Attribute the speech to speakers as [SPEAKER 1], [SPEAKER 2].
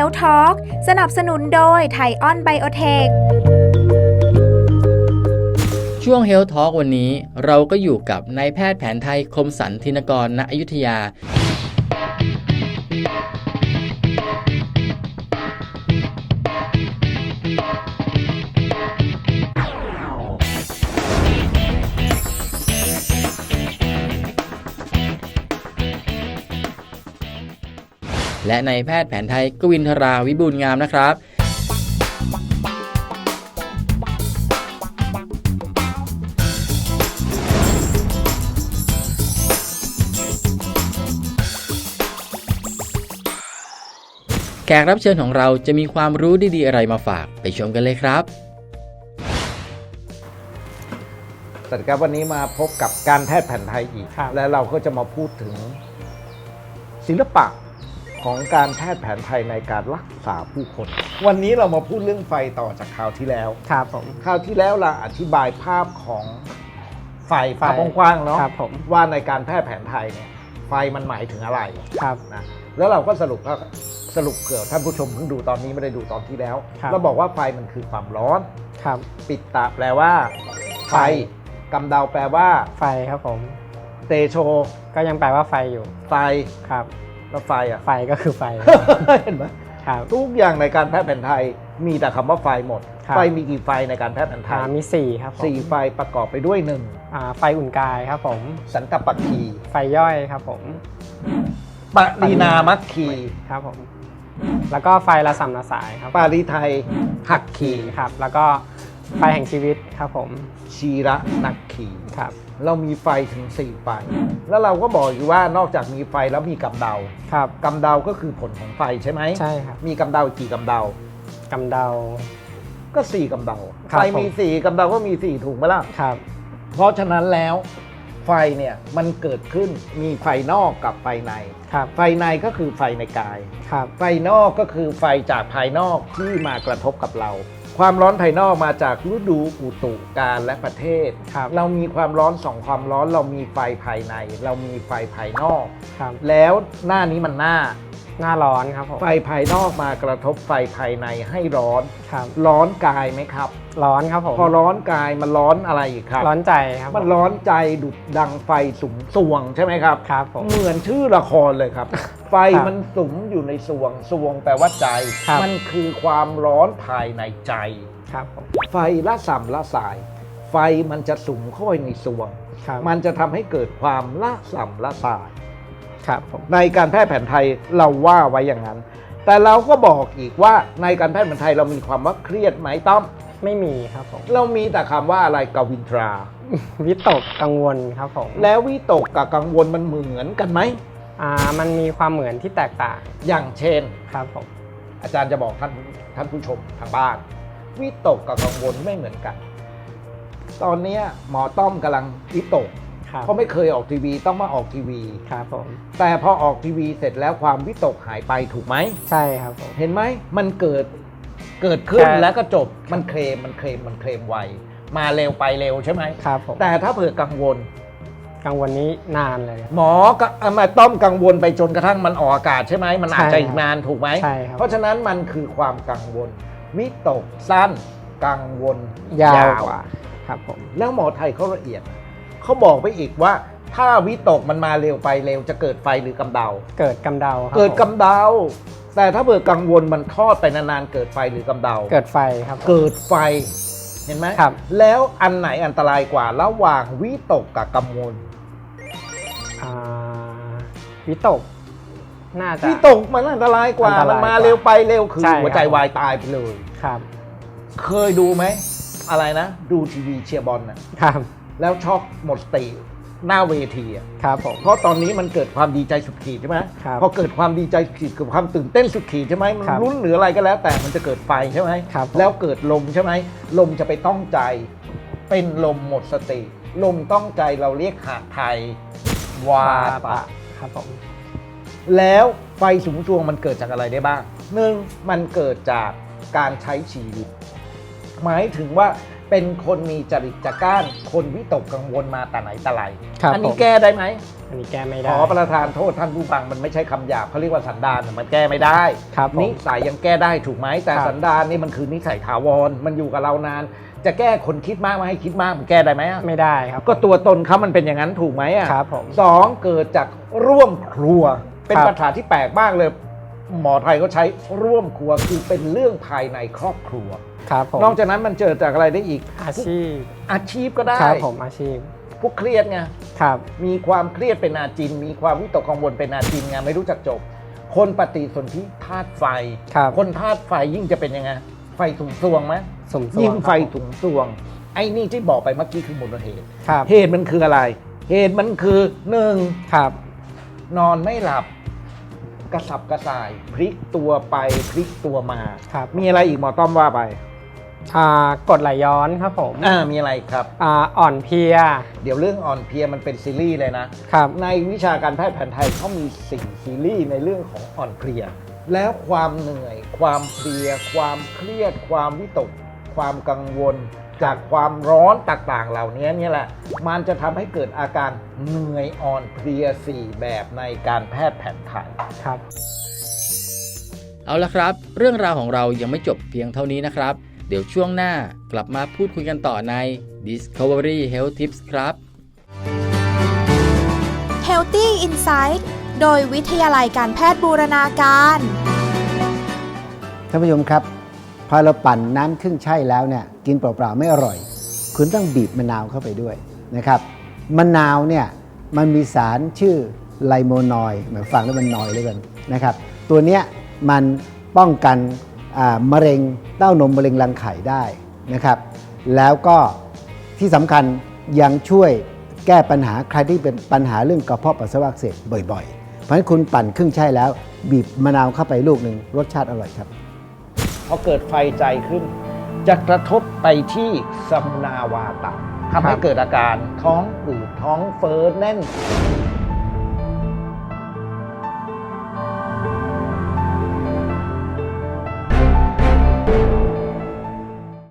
[SPEAKER 1] Health Talk สนับสนุนโดยไทออนไบโอเทค
[SPEAKER 2] ช่วง Health Talk วันนี้เราก็อยู่กับนายแพทย์แผนไทยคมสันธินกร ณ อยุธยาและนายแพทย์แผนไทยกวินทราวิบูลย์งามนะครับแขกรับเชิญของเราจะมีความรู้ดีๆอะไรมาฝากไปชมกันเลยครับ
[SPEAKER 3] สวัสดีครับวันนี้มาพบกับการแพทย์แผนไทยอีกและเราก็จะมาพูดถึงศิลปะของการแพทย์แผนไทยในการรักษาผู้คนวันนี้เรามาพูดเรื่องไฟต่อจากคราวที่แล้ว
[SPEAKER 4] ครับผม
[SPEAKER 3] คราวที่แล้วเราอธิบายภาพของไฟภาพกว้างๆเนาะว่าในการแพทย์แผนไทยเนี่ยไฟมันหมายถึงอะไร
[SPEAKER 4] ครับ
[SPEAKER 3] นะแล้วเราก็สรุปเผื่อท่านผู้ชมเพิ่งดูตอนนี้ไม่ได้ดูตอนที่แล้วเราบอกว่าไฟมันคือความร้อน
[SPEAKER 4] ครับ
[SPEAKER 3] ปิดตาแปลว่าไฟกำเดาแปลว่า
[SPEAKER 4] ไฟครับผม
[SPEAKER 3] เตโช
[SPEAKER 4] ก็ยังแปลว่าไฟอยู่
[SPEAKER 3] ไฟ
[SPEAKER 4] ครับ
[SPEAKER 3] แล้วไฟอ่ะ
[SPEAKER 4] ไฟก็คือไฟ
[SPEAKER 3] เห็นไหม
[SPEAKER 4] ครับ
[SPEAKER 3] ทุกอย่างในการแพทย์แผนไทยมีแต่คำว่าไฟหมดไฟมีกี่ไฟในการแพทย์แผนไทย
[SPEAKER 4] มี4ครับ
[SPEAKER 3] 4ไฟประกอบไปด้วย
[SPEAKER 4] ไฟอุ่นกายครับผม
[SPEAKER 3] สันตปัคคี
[SPEAKER 4] ไฟย่อยครับผม
[SPEAKER 3] ปรีนามัคคี
[SPEAKER 4] ครับผมแล้วก็ไฟละสัมละสายครับ
[SPEAKER 3] ปาริไทยหักคี
[SPEAKER 4] ครับแล้วก็ไฟแห่งชีวิตครับผม
[SPEAKER 3] ชีระนักคี
[SPEAKER 4] ครับ
[SPEAKER 3] เรามีไฟถึง4ไฟแล้วเราก็บอกอยู่ว่านอกจากมีไฟแล้วมีกำเดา
[SPEAKER 4] ครับ
[SPEAKER 3] กำเดาก็คือผลของไฟใช่ไหม
[SPEAKER 4] ใช่ครับ
[SPEAKER 3] มีกำเดากี่กำเดาก
[SPEAKER 4] ำเดา
[SPEAKER 3] ก็4กำเดาไฟมี4กำเดาก็มี4ถูกไหมล่ะ
[SPEAKER 4] ครับ
[SPEAKER 3] เพราะฉะนั้นแล้วไฟเนี่ยมันเกิดขึ้นมีไฟนอกกับไฟในไฟในก็คือไฟในกายไฟนอกก็คือไฟจากภายนอกที่มากระทบกับเราความร้อนภายนอกมาจากฤดูอุตุกาลและประเทศเรามีความร้อน2ความร้อนเรามีไฟภายในเรามีไฟภายนอกแล้วหน้านี้มันหน้า
[SPEAKER 4] ร้อนครับผม
[SPEAKER 3] ไฟภายนอกมากระทบไฟภายในให้ร้อนร้อนกายไหมครับ
[SPEAKER 4] ร้อนครับผม
[SPEAKER 3] พอร้อนกายมันร้อนอะไรอีกครับ
[SPEAKER 4] ร้อนใจครับ
[SPEAKER 3] มันร้อนใจดุดดังไฟสุมสวงใช่ไหมครับ
[SPEAKER 4] ครับผม
[SPEAKER 3] เหมือนชื่อละครเลยครับ ไฟมันสุมอยู่ในสวงสวงแปลว่าใจมันคือความร้อนภายในใจ
[SPEAKER 4] ครับผม
[SPEAKER 3] ไฟละสัมละสายไฟมันจะสุมเข้าไปในสวงมันจะทำให้เกิดความละสัมละสายในการแพทย์แผนไทยเราว่าไว้อย่างนั้นแต่เราก็บอกอีกว่าในการแพทย์แผนไทยเรามีความว่าเครียดไหมต้อม
[SPEAKER 4] ไม่มีครับผม
[SPEAKER 3] เรามีแต่คำว่าอะไรกวินทรา
[SPEAKER 4] วิตกกังวลครับผม
[SPEAKER 3] แล้ววิตกกับกังวลมันเหมือนกันไหม
[SPEAKER 4] มันมีความเหมือนที่แตกต่าง
[SPEAKER 3] อย่างเช่น
[SPEAKER 4] ครับผม
[SPEAKER 3] อาจารย์จะบอกท่านผู้ชมทางบ้านวิตกกับกังวลไม่เหมือนกันตอนนี้หมอต้อมกำลังวิตกเพราะไม่เคยออกทีวีต้องมาออกทีวี
[SPEAKER 4] ครับผม
[SPEAKER 3] แต่พอออกทีวีเสร็จแล้วความวิตกหายไปถูกไหม
[SPEAKER 4] ใช่ครับผม
[SPEAKER 3] เห็นไหมมันเกิดขึ้นแล้วก็จบมันเคลมไวมาเร็วไปเร็วใช่ไหม
[SPEAKER 4] ครับผม
[SPEAKER 3] แต่ถ้าเผื่อกังวล
[SPEAKER 4] นี้นานเลย
[SPEAKER 3] หมอก็มาต้อมกังวลไปจนกระทั่งมันออกอากาศใช่ไหมมันอาจจะอีกนานถูกไหม
[SPEAKER 4] ใช่ครับ
[SPEAKER 3] เพราะฉะนั้นมันคือความกังวลวิตกสั้นกังวล
[SPEAKER 4] ยาวกว่าครับผม
[SPEAKER 3] แล้วหมอไทยเขาละเอียดเขาบอกไปอีกว่าถ้าวิตกมันมาเร็วไปเร็วจะเกิดไฟหรือกำเดา
[SPEAKER 4] เกิดกำเดา
[SPEAKER 3] เกิดกำเดาแต่ถ้าเผื่อกังวลมันทอดไปนานๆเกิดไฟหรือกำเดา
[SPEAKER 4] เกิดไฟครับ
[SPEAKER 3] เกิดไฟเห็นไหม
[SPEAKER 4] ครับ
[SPEAKER 3] แล้วอันไหนอันตรายกว่าระหว่างวิตกกับกังวล
[SPEAKER 4] วิตกน่าจะ
[SPEAKER 3] วิตกมันอันตรายกว่ามันมาเร็วไปเร็วคือหัวใจวายตายไปเลย
[SPEAKER 4] ครับ
[SPEAKER 3] เคยดูไหมอะไรนะดูทีวีเชียร์บอล
[SPEAKER 4] นะครับ
[SPEAKER 3] แล้วช็อกหมดสติหน้าเวที
[SPEAKER 4] ครับผม
[SPEAKER 3] เพราะตอนนี้มันเกิดความดีใจสุดขีดใช่ไหมพอเกิดความดีใจสุดขีดเกิดความตื่นเต้นสุดขีดใช่ไหมมันลุ้นหรืออะไรก็แล้วแต่มันจะเกิดไฟใช่ไหมแล้วเกิดลมใช่ไหมลมจะไปต้องใจเป็นลมหมดสติลมต้องใจเราเรียกหาไทยวาตะ
[SPEAKER 4] ครับผม
[SPEAKER 3] แล้วไฟสูงช่วงมันเกิดจากอะไรได้บ้างหนึ่งมันเกิดจากการใช้ชีวิตหมายถึงว่าเป็นคนมีจริตจักร้านคนวิตกกังวลมาแต่ไหนแต่ไร
[SPEAKER 4] ครับ
[SPEAKER 3] อันี้
[SPEAKER 4] ผม
[SPEAKER 3] แก้ได้ไหม
[SPEAKER 4] อันนี้แก้ไม่
[SPEAKER 3] ข
[SPEAKER 4] ได้
[SPEAKER 3] อประทานโทษท่านผู้ฟังมันไม่ใช่คำหยาบเขาเรียกว่าสันดานมันแก้ไม่ได้
[SPEAKER 4] ครับผม
[SPEAKER 3] นิสัยยังแก้ได้ถูกไหมแต่
[SPEAKER 4] ครับ
[SPEAKER 3] สันดานนี่มันคือนิสัยถาวรมันอยู่กับเรานาน จะแก้คนคิดมากมาให้คิดมากมันแก้ได้ไหมอะ
[SPEAKER 4] ไม่ได้ครับ
[SPEAKER 3] ก็ตัวตนเขามันเป็นอย่างนั้นถูกไหมอ่ะ
[SPEAKER 4] ครับผม
[SPEAKER 3] สองเกิดจากร่วมครัว เป็น
[SPEAKER 4] ครับ
[SPEAKER 3] ปัญหาที่แปลกมากเลย หมอไทยก็ใช้ร่วมครัวคือเป็นเรื่องภายในครอบครัว
[SPEAKER 4] ครับผม
[SPEAKER 3] นอกจากนั้นมันเจอจากอะไรได้อีก
[SPEAKER 4] อาชีพ
[SPEAKER 3] อาชีพก็ได้
[SPEAKER 4] ครับผมอาชีพ
[SPEAKER 3] พวกเครียดไง
[SPEAKER 4] ครับ
[SPEAKER 3] มีความเครียดเป็นอาจิน มีความวิตกกังวลเป็นอาจินไงไม่รู้จักจบ คนปฏิสนธิธาตุไฟ
[SPEAKER 4] ครับ
[SPEAKER 3] คนธาตุไฟยิ่งจะเป็นยังไงไฟถุงซวงไหม
[SPEAKER 4] สมส่วน
[SPEAKER 3] ยิ่งไฟ
[SPEAKER 4] ครับผม
[SPEAKER 3] ถุงซวง ไอ้นี่ที่บอกไปเมื่อกี้คือมูลเหตุ
[SPEAKER 4] ครับ
[SPEAKER 3] เหตุมันคืออะไร เหตุมันคือหนึ่ง
[SPEAKER 4] ครับ
[SPEAKER 3] นอนไม่หลับ กระสับกระส่าย พลิกตัวไปพลิกตัวมา
[SPEAKER 4] ครับ
[SPEAKER 3] มีอะไรอีกหมอต้อมว่าไป
[SPEAKER 4] กดไหลย้อนครับผม
[SPEAKER 3] มีอะไรครับ
[SPEAKER 4] อ่อนเพลีย
[SPEAKER 3] เดี๋ยวเรื่องอ่อนเพลียมันเป็นซีรีส์เลยนะ
[SPEAKER 4] ครับ
[SPEAKER 3] ในวิชาการแพทย์แผนไทยเขามี4ซีรีส์ในเรื่องของอ่อนเพลีย แล้วความเหนื่อย ความเพลีย ความเครียด ความวิตก ความกังวล จากความร้อนต่างๆ เหล่านี้เนี่ยแหละ มันจะทำให้เกิดอาการเหนื่อยอ่อนเพลีย 4 แบบในการแพทย์แผนไทย
[SPEAKER 4] ครับ
[SPEAKER 2] เอาละครับ เรื่องราวของเรายังไม่จบเพียงเท่านี้นะครับ เดี๋ยวช่วงหน้ากลับมาพูดคุยกันต่อใน Discovery Health Tips ครับ
[SPEAKER 1] Healthy Insight โดยวิทยาลัยการแพทย์บูรณาการ
[SPEAKER 5] ท่านผู้ชมครับ พอเราปั่นน้ำครึ่งใช่แล้วเนี่ยกินเปล่าๆไม่อร่อย คุณต้องบีบมะนาวเข้าไปด้วยนะครับมะนาวเนี่ยมันมีสารชื่อไลโมนอยด์หมายฟังแล้วมันนอยเลยกันนะครับตัวเนี้ยมันป้องกันมะเร็งเต้านมมะเร็งรังไข่ได้นะครับแล้วก็ที่สำคัญยังช่วยแก้ปัญหาใครที่เป็นปัญหาเรื่องกระเพาะปัสสาวะอักเสบบ่อยๆ เพราะฉะนั้นคุณปั่นครึ่งใช่แล้วบีบมะนาวเข้าไปลูกหนึ่งรสชาติอร่อยครับ
[SPEAKER 3] พอเกิดไฟใจขึ้น จะกระทบไปที่สมนาวาตะทำให้เกิดอาการท้องอืดท้องเฟ้อแน่น